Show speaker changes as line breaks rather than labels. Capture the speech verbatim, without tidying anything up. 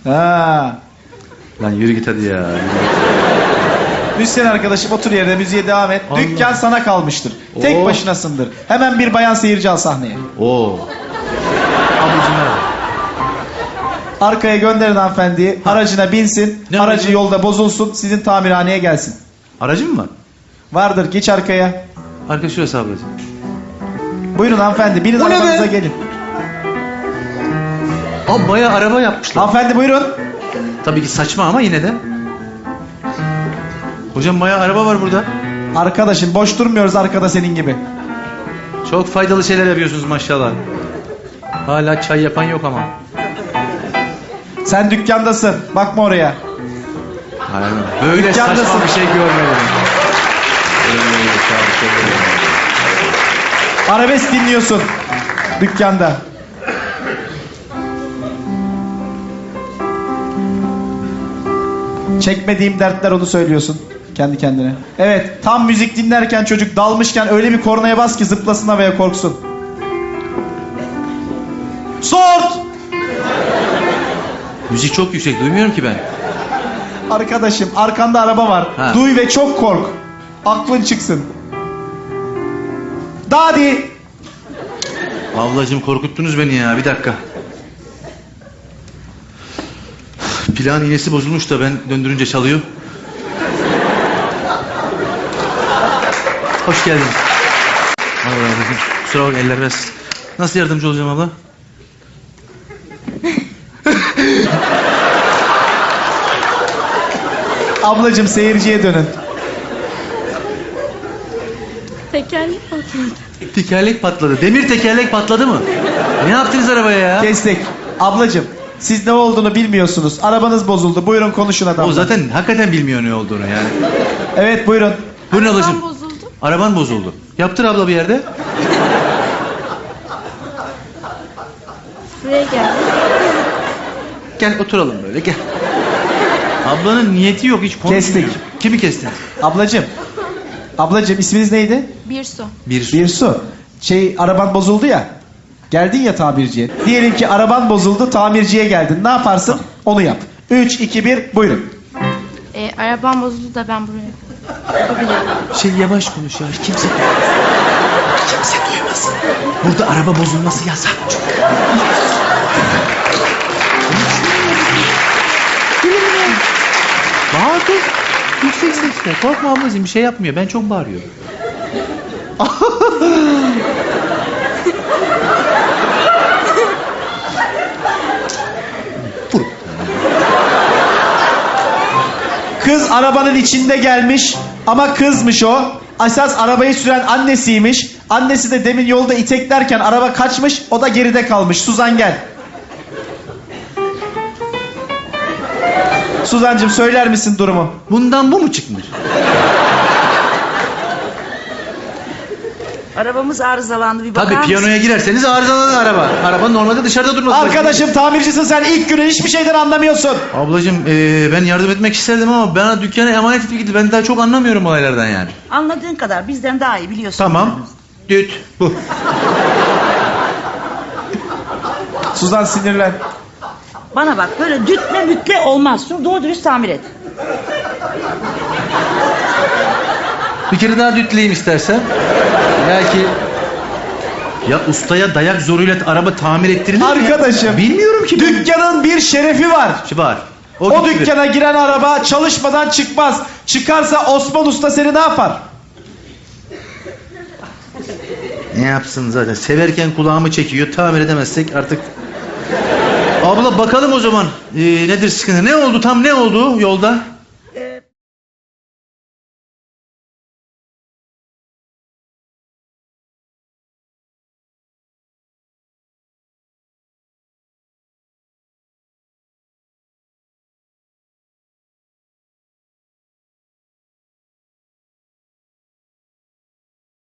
Ha.
Lan yürü git hadi ya.
Müzisyen arkadaşım otur yerine, müziğe devam et.
Allah.
Dükkan sana kalmıştır. Tek
Oo.
başınasındır. Hemen bir bayan seyirci al sahneye.
Oo. Ablacığım merhaba.
Arkaya gönderin hanımefendiyi. Aracına binsin.
Ne
aracı
aracı?
yolda bozulsun. Sizin tamirhaneye gelsin.
Aracın mı var?
Vardır, geç arkaya.
Arka şurası ablacığım.
Buyurun hanımefendi, binin
Bu ne
arabanıza
be?
gelin.
Abi bayağı araba yapmışlar.
Hanımefendi buyurun.
Tabii ki saçma ama yine de. Hocam bayağı araba var burada.
Arkadaşım boş durmuyoruz arkada senin gibi.
Çok faydalı şeyler yapıyorsunuz maşallah. Hala çay yapan yok ama.
Sen dükkandasın. Bakma oraya.
Aynen. Böyle
Dükkandasın.
saçma bir şey görmedim.
Arabesk dinliyorsun. Dükkanda. Çekmediğim dertler, onu söylüyorsun kendi kendine. Evet, tam müzik dinlerken çocuk dalmışken öyle bir kornaya bas ki zıplasın havaya, korksun. Sort!
Müzik çok yüksek, duymuyorum ki ben.
Arkadaşım arkanda araba var.
Ha.
Duy ve çok kork. Aklın çıksın. Dadi!
Ablacığım korkuttunuz beni ya, bir dakika. Plan iğnesi bozulmuş da ben döndürünce çalıyor. Hoş geldin. Allah razı olsun. Kusura bak, eller biraz. Nasıl yardımcı olacağım abla?
Ablacığım seyirciye dönün.
Tekerlek patladı.
Tekerlek patladı. Demir tekerlek patladı mı? Ne yaptınız arabaya ya?
Kestik. Ablacığım siz ne olduğunu bilmiyorsunuz. Arabanız bozuldu. Buyurun konuşun adamla.
O zaten hakikaten bilmiyor ne olduğunu yani.
Evet buyurun.
Buyurun
Arabam
ablacığım.
bozuldu.
Araban bozuldu. Yaptır abla bir yerde.
Buraya gel.
Gel oturalım böyle, gel. Ablanın niyeti yok, hiç konuşmuyor.
Kestik.
Kimi kestin?
Ablacığım. Ablacığım isminiz neydi?
Bir su.
Bir.
Bir su. Şey, araban bozuldu ya. Geldin ya tamirciye. Diyelim ki araban bozuldu, tamirciye geldin. Ne yaparsın? Onu yap. Üç, iki, bir, buyurun.
Ee, arabam bozuldu da ben buraya. Yapabilirim.
Şey yavaş konuş ya, kimse... Kimse duymasın. Burada araba bozulması yasak. Bağır dur. Yüksek sesle. Korkma ablacığım, bir şey yapmıyor. Ben çok bağırıyorum.
Kız arabanın içinde gelmiş ama kızmış o. Esas arabayı süren annesiymiş. Annesi de demin yolda iteklerken araba kaçmış, o da geride kalmış. Suzan gel. Suzancığım söyler misin durumu?
Bundan bu mu çıkmış?
Arabamız arızalandı, bir bakar
Tabii
mısın?
piyanoya girerseniz arızalanır araba. Araba normalde dışarıda durması lazım.
Arkadaşım tamircisin sen, ilk günü hiçbir şeyden anlamıyorsun.
Ablacığım ee, ben yardım etmek isterdim ama bana dükkana emanet edip gitti. Ben daha çok anlamıyorum olaylardan yani.
Anladığın kadar bizden daha iyi biliyorsun.
Tamam. Düt. Bu.
Suzan sinirlen.
Bana bak, böyle dütle mütle olmaz. Şunu doğru dürüst tamir et.
Bir kere daha dütleyeyim istersen. Belki... Ya ustaya dayak zoruyla araba tamir ettirilir mi?
Arkadaşım.
Bilmiyorum ki.
Dükkanın bir şerefi var.
Şu var.
O,
O, gitti.
dükkana giren araba çalışmadan çıkmaz. Çıkarsa Osman Usta seni ne yapar?
Ne yapsın zaten? Severken kulağımı çekiyor. Tamir edemezsek artık... Abla bakalım o zaman. Ee, nedir sıkıntı? Ne oldu? Tam ne oldu yolda?